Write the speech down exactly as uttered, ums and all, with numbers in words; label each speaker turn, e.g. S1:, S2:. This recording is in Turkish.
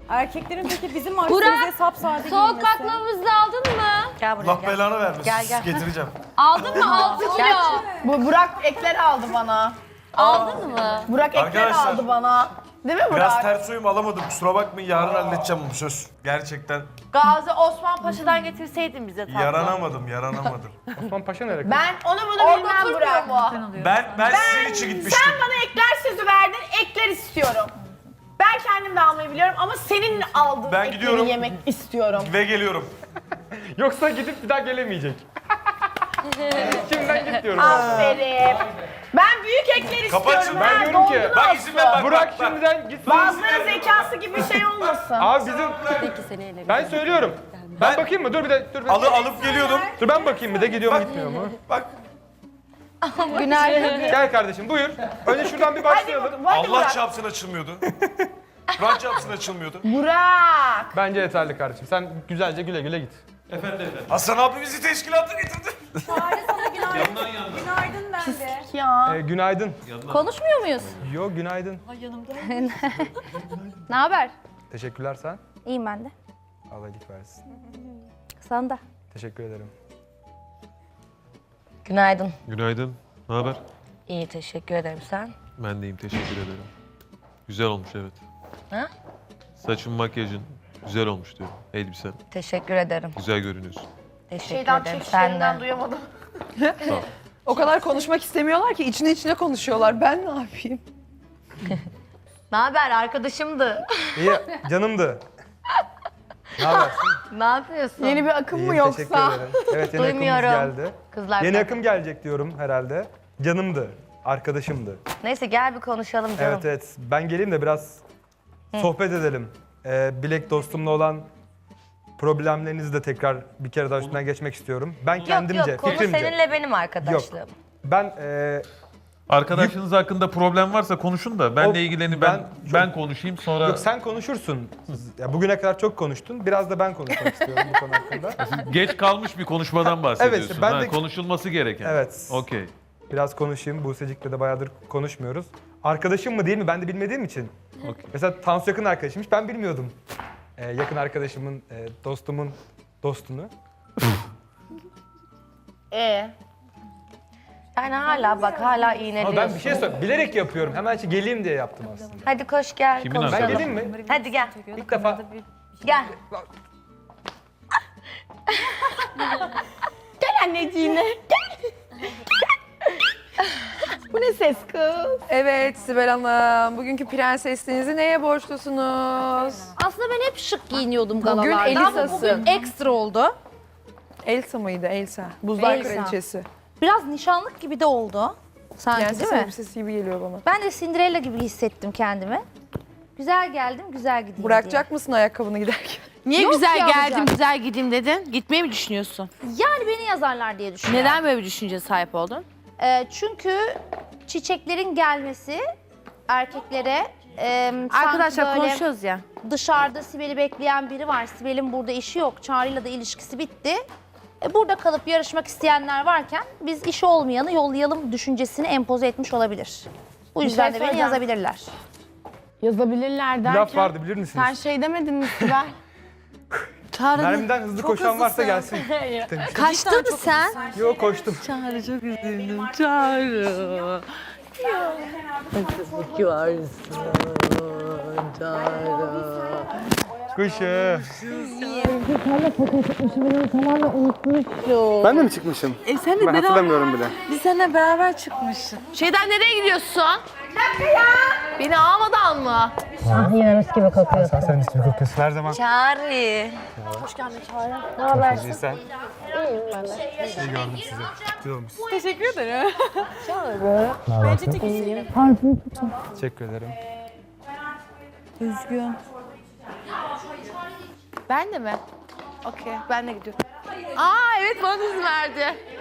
S1: Erkeklerin peki bizim
S2: Burak,
S1: marketimize sapsade
S2: soğuk
S1: giymesi.
S2: baklavamızı aldın mı?
S3: Gel buraya
S4: Allah
S3: gel.
S4: belanı vermesin.
S3: Gel, gel.
S4: Getireceğim.
S2: Aldın mı altı kilo?
S5: Bu Burak ekler aldı bana.
S2: Aldın mı?
S5: Burak ekler
S4: Arkadaşlar,
S5: aldı bana. Değil mi Burak?
S4: Biraz ters uyum alamadım. Kusura bakmayın. Yarın halledeceğim bunu söz. Gerçekten
S3: Gazi Osman Paşa'dan getirseydin bize tatlı.
S4: yaranamadım, yaranamadım.
S6: Osman Paşa nerede?
S5: Ben onu bunu bilmem Burak.
S4: Ben ben sizin için gitmiştim.
S5: Sen bana ekler sözü verdin, ekler istiyorum. Ben kendim de almayı biliyorum ama senin aldığın
S4: Ben
S5: ekleri
S4: gidiyorum.
S5: yemek istiyorum.
S4: Ve geliyorum.
S6: Yoksa gidip bir daha gelemeyecek. Şimdiden git diyorum.
S5: Aferin. Ben büyük ekler
S4: Kapat
S5: istiyorum.
S4: şunu.
S5: ha,
S6: Ben diyorum ki,
S5: doldurun
S4: Bak
S5: olsun.
S4: izin ver bak.
S6: Burak
S4: bak, bak.
S6: şimdiden gitsin.
S5: Bazıları zekası gibi şey olmasın.
S6: Abi bizim... Ben söylüyorum. Ben bakayım mı? Dur bir de. Dur bir de.
S4: Alı alıp geliyordum.
S6: Dur ben bakayım bir de gidiyor mu gitmiyor mu?
S4: Bak
S5: Günaydın.
S6: Gel kardeşim buyur. Önce şuradan bir
S5: Hadi
S6: başlayalım.
S5: bakalım. Hadi
S4: Allah
S5: Burak.
S4: çarpsın açılmıyordu. Kur'an çarpsın açılmıyordu.
S5: Burak.
S6: Bence yeterli kardeşim. Sen güzelce güle güle git.
S4: Hasan abi bizi teşkilata getirdi.
S1: Çağrı sana günaydın. Günaydın dendi.
S5: Ya.
S6: Ee, günaydın.
S2: Konuşmuyor muyuz?
S6: Yo günaydın.
S2: Ne haber?
S6: Teşekkürler sen.
S2: İyiyim ben de.
S6: Allah iyilik versin.
S2: Sana da.
S6: Teşekkür ederim.
S3: Günaydın.
S7: Günaydın. Ne haber?
S3: İyi teşekkür ederim sen.
S7: Ben deyim teşekkür ederim. Güzel olmuş evet.
S3: Ha?
S7: Saçın, makyajın güzel olmuş diyorum. Elbisen
S3: Teşekkür ederim.
S7: güzel görünüyorsun.
S3: Teşekkür
S5: Şeyden
S3: ederim
S5: çekişlerinden
S3: sen de.
S5: duyamadım.
S8: O kadar konuşmak istemiyorlar ki içine içine konuşuyorlar. Ben ne yapayım?
S3: Ne haber arkadaşımdı.
S6: İyi canımdı. Ne habersin?
S3: Ne yapıyorsun?
S5: Yeni bir akım mı
S6: İyiyim, teşekkür
S5: yoksa?
S6: ederim. Evet yeni
S3: Duymuyorum.
S6: akımımız geldi.
S3: Kızlar
S6: Yeni
S3: ben-
S6: akım gelecek diyorum herhalde. Canımdı. Arkadaşımdı.
S3: Neyse gel bir konuşalım canım.
S6: Evet evet. Ben geleyim de biraz sohbet edelim. Ee, Bilek dostumla olan problemlerinizi de tekrar bir kere daha üstünden geçmek istiyorum. Ben
S3: Yok
S6: kendimce,
S3: yok konu
S6: fikrimce.
S3: seninle benim arkadaşlığım.
S6: Ben e,
S7: Arkadaşınız hakkında problem varsa konuşun da benle
S6: O-
S7: ilgileni ben
S6: ben
S7: ben,
S6: çok-
S7: konuşayım sonra.
S6: yok sen konuşursun. Ya bugüne kadar çok konuştun. Biraz da ben konuşmak istiyorum bu konu hakkında.
S7: Geç kalmış bir konuşmadan bahsediyorsun.
S6: Evet, ben
S7: ha,
S6: de-
S7: konuşulması gereken.
S6: Evet.
S7: Okey.
S6: Biraz konuşayım. Buse'cik'le de bayağıdır konuşmuyoruz. Arkadaşım mı değil mi ben de bilmediğim için.
S7: Okey.
S6: Mesela Tansu yakın arkadaşıymış ben bilmiyordum. Ee, yakın arkadaşımın, e, dostumun dostunu.
S5: Ee,
S3: Yani hala bak hala
S6: Ama
S3: iğneliyorsun.
S6: ben bir şey söyle bilerek yapıyorum. Hemen şey geleyim diye yaptım aslında.
S3: Hadi koş gel
S7: Kimin
S3: konuşalım.
S6: Ben geleyim mi?
S3: Hadi gel.
S6: İlk defa
S3: Gel.
S5: gel anneciğine. Gel. Bu ne ses kız?
S8: Evet Sibel Hanım, bugünkü prensesliğinizi neye borçlusunuz?
S2: Aslında ben hep şık giyiniyordum
S8: Bugün
S2: galalarda ama
S8: Elisa'sın.
S2: bugün ekstra oldu.
S8: Elsa mıydı Elsa? Buzlar
S2: Elsa.
S8: Kraliçesi.
S2: Biraz nişanlık gibi de oldu. Sanki
S8: Prenses
S2: değil mi?
S8: elbisesi gibi geliyor bana.
S2: Ben de Cinderella gibi hissettim kendimi. Güzel geldim, güzel gideyim
S8: Bırakacak mısın ayakkabını giderken?
S9: Niye
S2: Yok
S9: güzel
S2: ya,
S9: geldim,
S2: olacak.
S9: güzel gideyim dedin? Gitmeyi mi düşünüyorsun?
S2: diye. Yani beni yazarlar diye düşünüyorum.
S9: Neden böyle bir düşünceye sahip oldun?
S2: Ee, çünkü çiçeklerin gelmesi erkeklere e, sanki
S9: Arkadaşlar
S2: böyle
S9: konuşuyoruz ya.
S2: dışarıda Sibel'i bekleyen biri var. Sibel'in burada işi yok. Çağrı'yla da ilişkisi bitti. E, burada kalıp yarışmak isteyenler varken biz işi olmayanı yollayalım düşüncesini empoze etmiş olabilir. Bu yüzden de beni
S5: söyleyeceğim.
S2: yazabilirler.
S5: Yazabilirler
S6: bir
S5: derken.
S6: laf vardı bilir misiniz?
S5: Sen şey demedin mi Sibel?
S9: Çağrı
S6: Mermiden hızlı koşan varsa gelsin.
S9: kaçtın mı sen?
S6: Yok koştum.
S9: Çağrı çok üzüldüm. Çağrı.
S6: Kuşu. Ben de mi çıkmışım?
S9: E sen de
S6: Ben hatırlamıyorum bile.
S9: Biz seninle beraber çıkmıştık. Şeyden nereye gidiyorsun? Bir dakika ya. Beni almadan mı?
S6: Sen sen hiç kokuyorsun her zaman.
S3: Çağrı.
S6: İyi sen. İyiyim ben de. İyi gördüm sizi. Güzel olmuşsun.
S1: Teşekkür ederim.
S6: Bence çekilsin. Teşekkür ederim.
S9: Ben de mi? Okey, ben de gidiyorum. Aa evet bana izin verdi.